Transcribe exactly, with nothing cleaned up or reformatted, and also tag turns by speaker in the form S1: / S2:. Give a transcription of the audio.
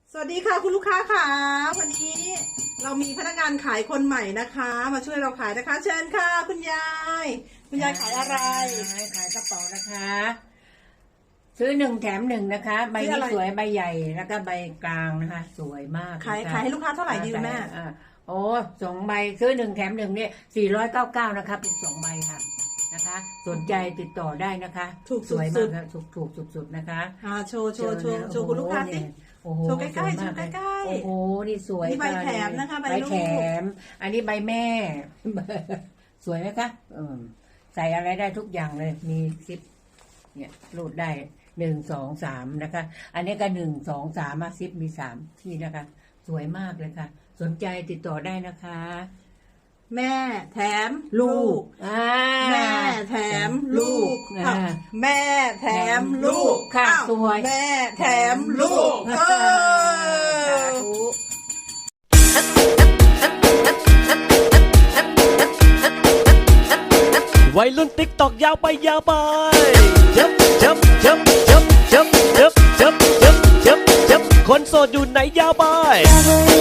S1: สวัสดีค่ะคุณลูกค้าค่ะวันนี้เรามีพนักงานขายคนใหม่นะคะ มาช่วยเราขายนะคะ เชิญค่ะคุณยายคุณยายขายอะไร
S2: ขายกระเป๋านะคะ ซื้อหนึ่งแถมหนึ่งนะคะใบนี้สวยใบใหญ่แล้วก็ใบกลางนะคะ สวยมาก
S1: ขายขายให้ลูกค้าเท่าไหร่ดีแม่
S2: โอ้สองใบซื้อหนึ่งแถมหนึ่งเนี่ยสี่ร้อยเก้าเก้านะคะเป็นสองใบค่ะนะคะ สนใจติดต่อได้นะคะ
S1: ถูก
S2: สวยมากถูกถูกสุดๆนะคะ
S1: อ่าโชว์โชว์โชว์โชว์คุณลูกค้าสิโชว์ใกล้ๆโชว์ใกล้ๆ
S2: โอ้โหนี่สวย
S1: นี่ใบแถมนะคะใบ
S2: แถมอันนี้ใบแม่สวยไหมคะใส่อะไรได้ทุกอย่างเลยมีซิปเนี่ยรูดได้หนึ่งสองสามนะคะ อันนี้ก็หนึ่งสองสามมาซิปมีสามที่นะคะ สวยมากเลยค่ะสนใจติดต่อได้นะคะ
S1: แม่แถม
S2: ลูก
S1: แม่แถมลูกแม่แถมลูก
S2: ค่ะสวย
S1: แม่แถมลูกเออ
S3: วัยรุ่นติ๊กตอกยาวไปยาวไปเจ็บเจ็บเจ็บเจ็บเจ็บเจ็บเจ็บเจ็บเจ็บเจ็บคนโสดอยู่ไหนยาวไป